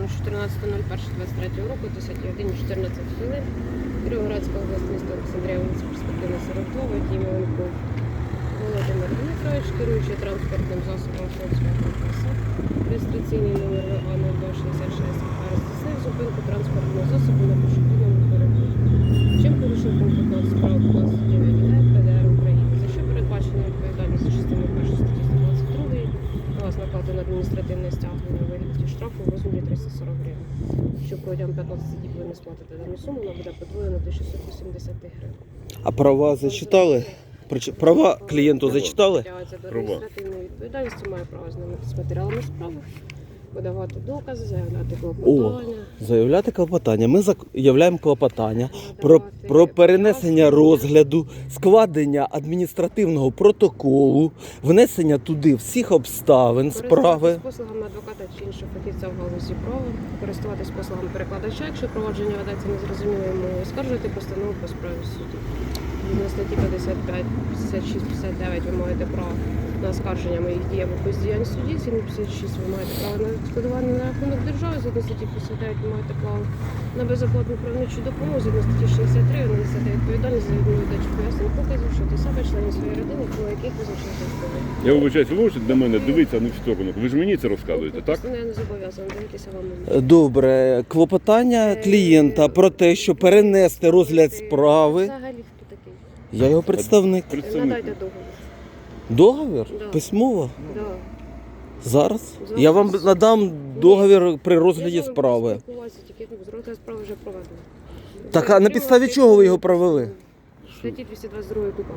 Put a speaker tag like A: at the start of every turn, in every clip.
A: 14.01.23 року, 10 годин 14 хвилин. Кіровоградська область, місто Олександрія, вулиця Перспективна 42, водій Меленков Володимир Дмитрович, керуючий транспортним засобом Volkswagen Passat, реєстраційний номер ВА-0266, здійснив зупинку транспортного засобу на пішохідному переході. Чим порушив пункт 15 прав 29 ГЕ ПДР України, за що передбачена відповідальність за частиною 1 статті 122, на вас накладено адміністративне стягнення у вигляді штрафу у розмірі 340 гривень. Що протягом 15 діб ви не сплатите дану суму, вона буде подвоєна до 680 гривень.
B: А права зачитали? Права клієнту зачитали?
A: Притягується до адміністративної відповідальності, має право знайомитися з матеріалами справи, подавати докази, заявляти клопотання.
B: Заявляти клопотання. Ми заявляємо клопотання про перенесення розгляду, складення адміністративного протоколу, внесення туди всіх обставин справи.
A: Користуватись послугами адвоката чи іншого фахівця в галузі права, користуватись послугами перекладача, якщо провадження ведеться незрозумілою мовою, скаржувати постанову по справі в суді. На статті 55, 56, 59 ви маєте право на оскарження моїх дій або бездіянь судді, згідно 56 ви маєте право на відшкодування на рахунок держави, згідно статті 59 ви маєте право на безоплатну правничу допомогу, згідно статті 63 ви несете відповідальність за відповідачу пояснень показів, що ти себе, членів своєї родини, про яких визначено законом.
C: Я вибачаюсь, ви можете до мене дивитися, а не в сторону. Ви ж мені це розказуєте, так?
A: Я не зобов'язана дивитися вам.
B: Добре. Клопотання клієнта про те, що перенести розгляд справи.
A: Взагалі хто такий?
B: Я його представник.
A: Надайте договір.
B: Договір?
A: Да.
B: Письмово?
A: Да.
B: Зараз? Я вам надам договір при розгляді справи.
A: Тільки розгляд справи вже проведено.
B: Так, а на підставі чого ви його провели?
A: Статті 222 КУПАП.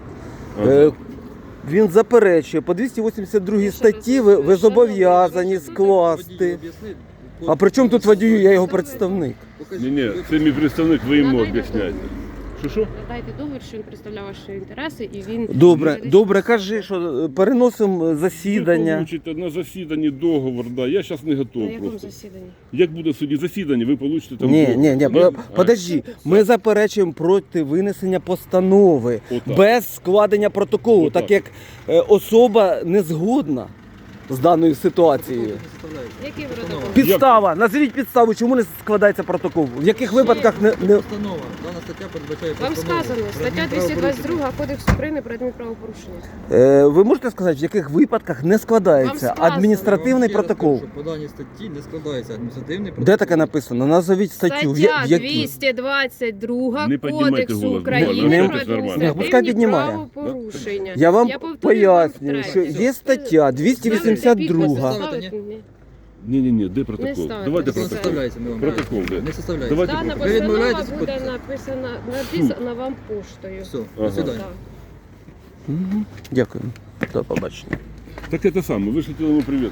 B: Він заперечує, по 282 статті ви зобов'язані скласти. А при чому тут водію, я його представник?
C: Ні, це мій представник, ви йому об'ясняєте. Що?
A: Надайте договір, що він представляє ваші інтереси і він...
B: Добре, кажи, що переносимо засідання.
C: Ви получите на засіданні договор, да. Я зараз не
A: На
C: готовий
A: якому
C: просто.
A: засіданні?
C: Як буде судді засідання, ви получите там
B: Ні,
C: договор.
B: подожди, ми заперечуємо проти винесення постанови
C: Отак.
B: без складення протоколу,
C: Отак.
B: так як особа не згодна з даною ситуацією.
A: Який ви протокол?
B: Підстава, назвіть підставу, чому не складається протокол, в яких випадках не...
D: Постанова. Дана стаття передбачає
A: Вам
D: постанову.
A: сказано, стаття 222 Кодексу України про адмінправопорушення.
B: Ви можете сказати, в яких випадках не складається
A: Вам сказано.
B: адміністративний
D: Я вам ще раз
B: протокол?
D: кажу, що по даній статті не складається адміністративний протокол.
B: Де таке написано? Назовіть статтю. В
A: Стаття
B: якій?
A: 222
C: Не піднімайте
A: Кодексу
C: голос.
A: України
B: Не-
A: про
B: Пускай
A: адміністративні
B: піднімає.
A: правопорушення.
B: Я вам
A: повторюю вам
B: пояснюю, що
A: втретє.
B: є стаття 282.
D: Ставите, ні?
C: Ні, де протокол?
A: ставите.
C: Давайте
D: Так, не
C: протокол.
D: составляється, ми вам
C: Протокол, де?
D: не составляється.
C: Давайте
A: Дана
C: протокол.
D: Ви
A: постанова
D: відмовляєтесь
A: буде
D: підписати?
A: написана вам поштою.
D: Все,
C: Ага.
D: до свидання.
A: Так.
B: Дякую. До побачення.
C: Так це саме, ви ж хотіли йому привіт